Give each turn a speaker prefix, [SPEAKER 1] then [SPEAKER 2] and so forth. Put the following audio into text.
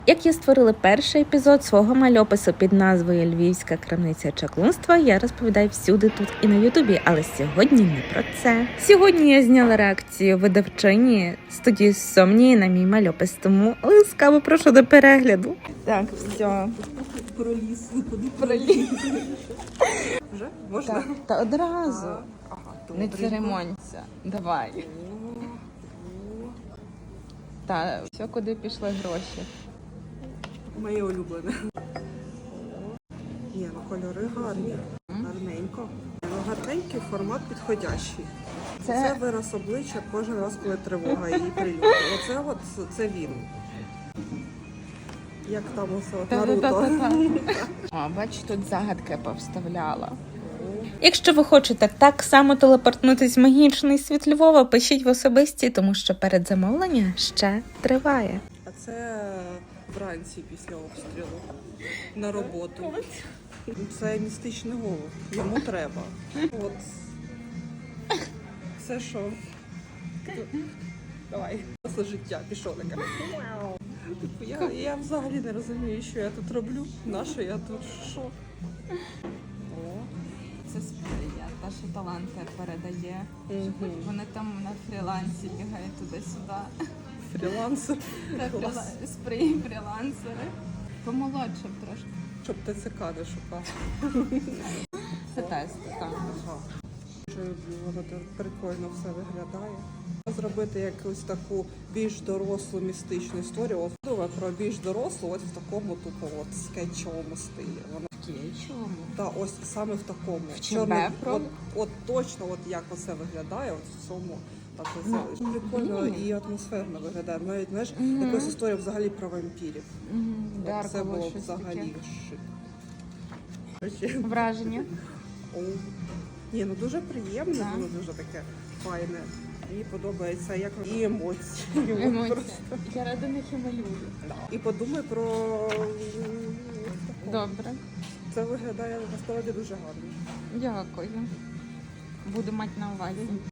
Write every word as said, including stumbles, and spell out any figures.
[SPEAKER 1] Як я створила перший епізод свого мальопису під назвою «Львівська крамниця чаклунства», я розповідаю всюди тут і на ютубі, але сьогодні не про це. Сьогодні я зняла реакцію видавчині студії Сомнії на мій мальопис, тому ласкаво прошу до перегляду. Так, все.
[SPEAKER 2] Про ліс.
[SPEAKER 1] Про ліс.
[SPEAKER 2] Вже? Можна?
[SPEAKER 1] Так, та одразу.
[SPEAKER 2] Ага,
[SPEAKER 1] Не церемонься. Давай. Та, все, куди пішли гроші.
[SPEAKER 2] Моє улюблене. Ні, ну кольори гарні. Гарненько. Ну, гарненький, формат підходящий.
[SPEAKER 1] Це-
[SPEAKER 2] Це вираз обличчя кожен раз, коли тривога і прильоти. Оце от, це він. Як там усе от Наруто.
[SPEAKER 1] Та-та-та-та. О, бач, тут загадки повставляла. Якщо ви хочете так само телепортнутись в магічний світ Львова, пишіть в особисті, тому що передзамовлення ще триває.
[SPEAKER 2] А це вранці після обстрілу на роботу. Це містичний голод. Йому треба. От. Це що? Давай. Це життя пішов таке. Типу, Я, я взагалі не розумію, що я тут роблю. На що я тут що? О.
[SPEAKER 1] Це сприя, та, що таланти передає.
[SPEAKER 2] Угу.
[SPEAKER 1] Вони там на фрілансі бігають туди-сюди.
[SPEAKER 2] Фрілансер. Клас.
[SPEAKER 1] Сприи фрілансери. Помолодше б трошки.
[SPEAKER 2] Щоб ТЦК не шукав.
[SPEAKER 1] Це тест, так.
[SPEAKER 2] Ага. Що воно так прикольно все виглядає. Зробити якусь таку більш дорослу містичну історію. От думаю про більш дорослу, ось в такому тупо от скетчовому стилі. Вона
[SPEAKER 1] Чому?
[SPEAKER 2] та ось саме в такому.
[SPEAKER 1] В
[SPEAKER 2] Чорний-
[SPEAKER 1] Чебепро?
[SPEAKER 2] от, от точно, от як оце виглядає, от в цьому так
[SPEAKER 1] Ну,
[SPEAKER 2] ось прикольно
[SPEAKER 1] ні.
[SPEAKER 2] і атмосферно виглядає. Навіть знаєш,
[SPEAKER 1] Мгм.
[SPEAKER 2] якась історія взагалі про вампірів.
[SPEAKER 1] Угу.
[SPEAKER 2] От це було б взагалі шик. Короче,
[SPEAKER 1] Враження.
[SPEAKER 2] о. Ні, ну дуже приємне,
[SPEAKER 1] Так.
[SPEAKER 2] воно дуже таке файне. Мені подобається, як і емоції.
[SPEAKER 1] Емоція.
[SPEAKER 2] Просто.
[SPEAKER 1] Я ради них і малюю.
[SPEAKER 2] І подумай про
[SPEAKER 1] Добре.
[SPEAKER 2] це виглядає насправді дуже гарно.
[SPEAKER 1] Дякую. Буду мати на увазі.